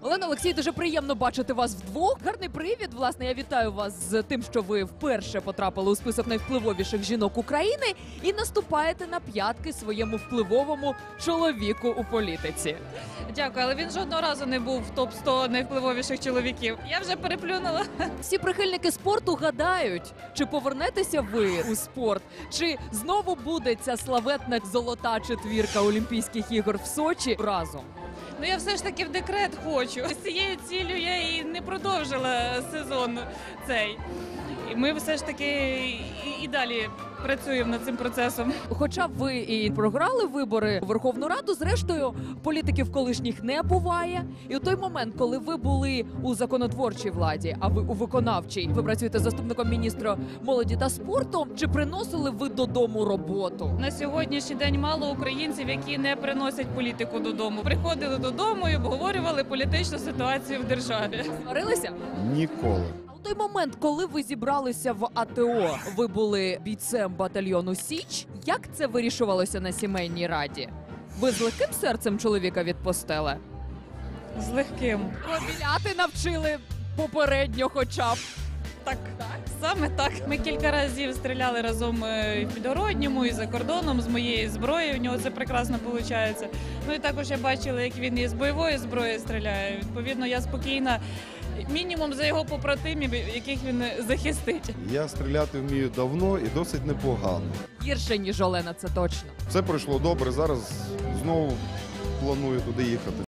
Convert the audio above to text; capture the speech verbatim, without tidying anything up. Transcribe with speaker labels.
Speaker 1: Олена, Олексій, дуже приємно бачити вас вдвох. Гарний привід. Власне, я вітаю вас з тим, що ви вперше потрапили у список найвпливовіших жінок України і наступаєте на п'ятки своєму впливовому чоловіку у політиці.
Speaker 2: Дякую, але він жодного разу не був в топ сто найвпливовіших чоловіків. Я вже переплюнула.
Speaker 1: Всі прихильники спорту гадають, чи повернетеся ви у спорт, чи знову буде ця славетна золота четвірка Олімпійських ігор в Сочі разом.
Speaker 2: Ну я все ж таки в декрет хочу. З цією ціллю я і не продовжила сезон цей. І ми все ж таки і, і далі працюємо над цим процесом.
Speaker 1: Хоча б ви і програли вибори у Верховну Раду, зрештою, політиків колишніх не буває. І у той момент, коли ви були у законотворчій владі, а ви у виконавчій, ви працюєте заступником міністра молоді та спорту, чи приносили ви додому роботу?
Speaker 2: На сьогоднішній день мало українців, які не приносять політику додому. Приходили додому і обговорювали політичну ситуацію в державі.
Speaker 1: Сварилися?
Speaker 3: Ніколи.
Speaker 1: А у той момент, коли ви зібралися в АТО, ви були бійцем батальйону Січ. Як це вирішувалося на сімейній раді? Ви з легким серцем чоловіка відпустили?
Speaker 2: З легким.
Speaker 1: Розмовляти навчили попередньо хоча б.
Speaker 2: Так, саме так. Ми кілька разів стріляли разом і в Підгородньому, і за кордоном з моєї зброї. У нього це прекрасно виходить. Ну і також я бачила, як він із бойової зброї стріляє. Відповідно, я спокійна. Мінімум за його побратимів, яких він захистить.
Speaker 3: Я стріляти вмію давно і досить непогано.
Speaker 1: Гірше, ніж Олена, це точно.
Speaker 3: Все пройшло добре, зараз знову планую туди їхати.